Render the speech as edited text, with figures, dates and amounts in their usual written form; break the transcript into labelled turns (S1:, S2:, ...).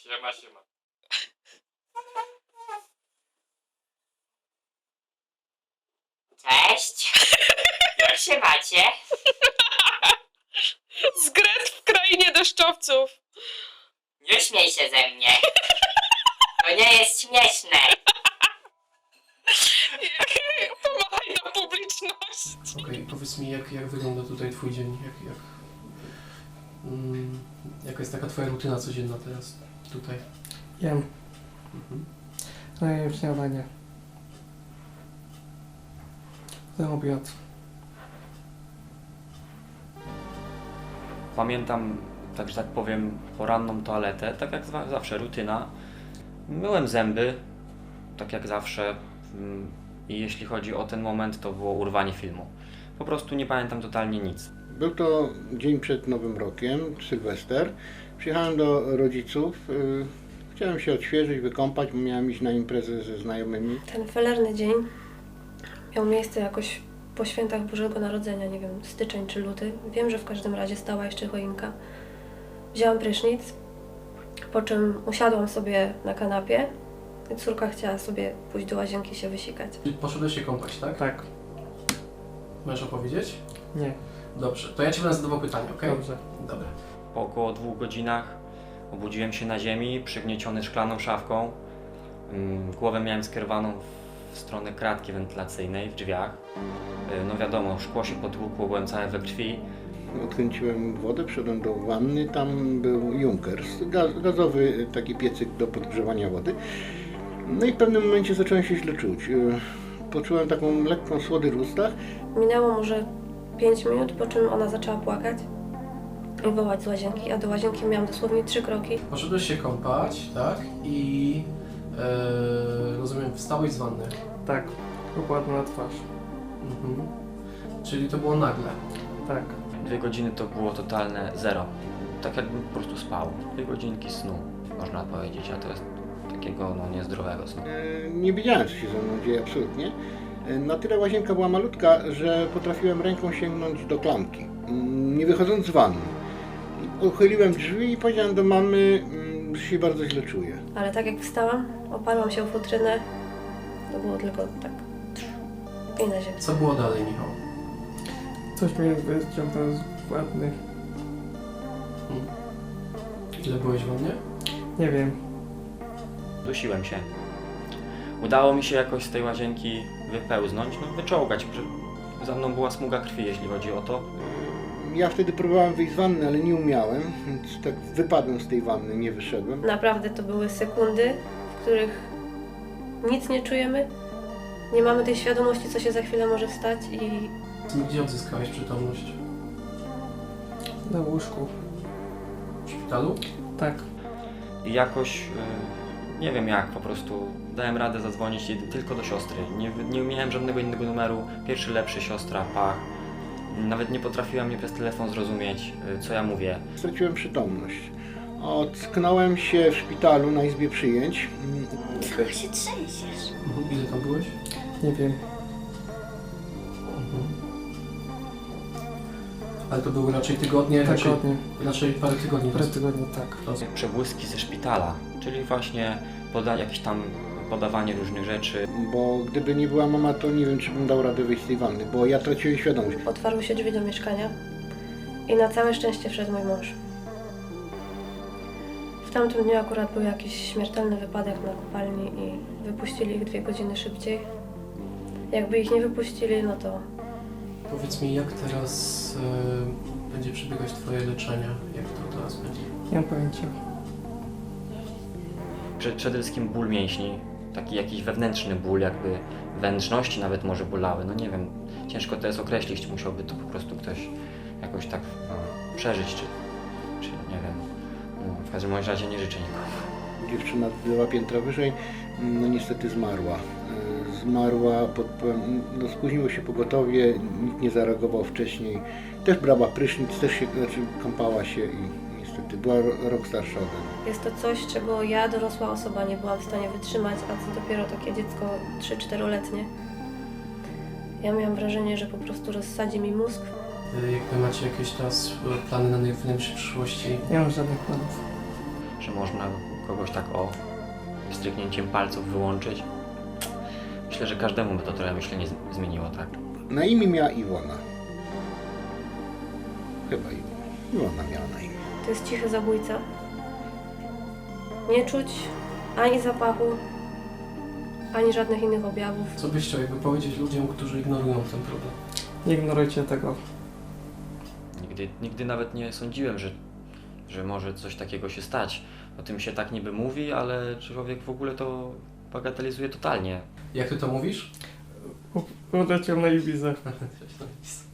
S1: Siema, siema.
S2: Cześć! Jak się macie?
S3: Zgret w krainie deszczowców.
S2: Nie śmiej się ze mnie. To nie jest śmieszne.
S3: Pomachaj na publiczność.
S4: Okej, powiedz mi, jak wygląda tutaj twój dzień? Jaka jest taka twoja rutyna codzienna teraz tutaj?
S5: Jem.
S4: Mhm.
S5: No i jem śniadanie. Potem obiad.
S6: Pamiętam, tak że tak powiem, poranną toaletę, tak jak zawsze, rutyna. Myłem zęby, tak jak zawsze. I jeśli chodzi o ten moment, to było urwanie filmu. Po prostu nie pamiętam totalnie nic.
S7: Był to dzień przed Nowym Rokiem, Sylwester. Przyjechałem do rodziców. Chciałem się odświeżyć, wykąpać, bo miałem iść na imprezę ze znajomymi.
S8: Ten felerny dzień miał miejsce jakoś po świętach Bożego Narodzenia, nie wiem, styczeń czy luty. Wiem, że w każdym razie stała jeszcze choinka. Wzięłam prysznic, po czym usiadłam sobie na kanapie i córka chciała sobie pójść do łazienki się wysikać.
S4: Poszedłeś się kąpać, tak?
S5: Tak.
S4: Możesz opowiedzieć?
S5: Nie.
S4: Dobrze, to ja ci będę zadawał pytanie, okej?
S5: Dobrze.
S4: Dobra.
S6: Po około 2 godzinach obudziłem się na ziemi, przygnieciony szklaną szafką. Głowę miałem skierowaną w stronę kratki wentylacyjnej w drzwiach. No wiadomo, szkło się potłukło, byłem cały we krwi.
S7: Odkręciłem wodę, wszedłem do wanny, tam był Junkers, gazowy taki piecyk do podgrzewania wody. No i w pewnym momencie zacząłem się źle czuć. Poczułem taką lekką słodę w ustach.
S8: Minęło może 5 minut, po czym ona zaczęła płakać i wołać z łazienki, a do łazienki miałam dosłownie 3 kroki.
S4: Poszedłeś się kąpać, tak? I rozumiem, wstałeś z wanny.
S5: Tak. Układam na twarz.
S4: Mhm. Czyli to było nagle.
S5: Tak.
S6: 2 godziny to było totalne zero. Tak jakbym po prostu spał. 2 godzinki snu, można powiedzieć, a to jest takiego niezdrowego snu.
S7: Nie wiedziałem, co się ze mną dzieje absolutnie. Na tyle łazienka była malutka, że potrafiłem ręką sięgnąć do klamki, nie wychodząc z wanny. Uchyliłem drzwi i powiedziałem do mamy, że się bardzo źle czuję.
S8: Ale tak jak wstałam, oparłam się o futrynę, to było tylko tak i na ziemię.
S4: Co było dalej, Michał?
S5: Coś mnie wyciągnął z wanny.
S4: Ile byłeś w wannie?
S5: Nie wiem.
S6: Dusiłem się. Udało mi się jakoś z tej łazienki wypełznąć, wyczołgać. Za mną była smuga krwi, jeśli chodzi o to.
S7: Ja wtedy próbowałem wyjść z wanny, ale nie umiałem, więc tak wypadłem z tej wanny, nie wyszedłem.
S8: Naprawdę to były sekundy, w których nic nie czujemy, nie mamy tej świadomości, co się za chwilę może stać i
S4: Gdzie odzyskałeś przytomność?
S5: Na łóżku.
S4: W szpitalu?
S5: Tak.
S6: I jakoś, nie wiem jak, po prostu dałem radę zadzwonić tylko do siostry. Nie miałem żadnego innego numeru. Pierwszy lepszy, siostra, pach. Nawet nie potrafiła mnie przez telefon zrozumieć, co ja mówię.
S7: Straciłem przytomność. Ocknąłem się w szpitalu na izbie przyjęć.
S2: Co się trzęsiesz?
S4: Ile tam byłeś?
S5: Nie wiem.
S4: Ale to były raczej tygodnie?
S5: Tygodnie.
S4: Raczej parę tygodni.
S5: Parę tygodni, tak.
S6: Przebłyski ze szpitala, czyli właśnie jakieś tam podawanie różnych rzeczy.
S7: Bo gdyby nie była mama, to nie wiem, czy bym dał radę wyjść z tej wanny, bo ja traciłem świadomość.
S8: otwarły się drzwi do mieszkania i na całe szczęście wszedł mój mąż. W tamtym dniu akurat był jakiś śmiertelny wypadek na kopalni i wypuścili ich 2 godziny szybciej. Jakby ich nie wypuścili, no to
S4: Powiedz mi, jak teraz będzie przebiegać twoje leczenie? Jak to teraz będzie?
S5: Nie mam pojęcia.
S6: Przede wszystkim ból mięśni, taki jakiś wewnętrzny ból, jakby wnętrzności nawet może bolały, no nie wiem, ciężko to jest określić, musiałby to po prostu ktoś jakoś tak przeżyć, czy nie wiem, w każdym razie nie życzę nikomu.
S7: Dziewczyna 2 piętra wyżej, no niestety zmarła. Zmarła, spóźniło się pogotowie, nikt nie zareagował wcześniej. Też brała prysznic, też się, kąpała się i niestety była rok starsza ode mnie.
S8: jest to coś, czego ja, dorosła osoba, nie byłam w stanie wytrzymać, a co dopiero takie dziecko 3-4-letnie. Ja miałam wrażenie, że po prostu rozsadzi mi mózg.
S4: Jak macie jakieś teraz plany na najbliższej przyszłości?
S5: Nie mam żadnych planów.
S6: Że można kogoś tak o stryknięciem palców wyłączyć. Myślę, że każdemu by to trochę myślenie zmieniło, tak?
S7: Na imię miała Iwona. Chyba Iwona miała na imię.
S8: To jest cichy zabójca. Nie czuć ani zapachu, ani żadnych innych objawów.
S4: Co byś chciał jakby powiedzieć ludziom, którzy ignorują ten problem?
S5: Nie ignorujcie tego.
S6: Nigdy nawet nie sądziłem, że może coś takiego się stać. O tym się tak niby mówi, ale człowiek w ogóle to bagatelizuje totalnie.
S4: Jak ty to mówisz?
S5: Odleciał na Ibizę.
S4: Coś tam jest.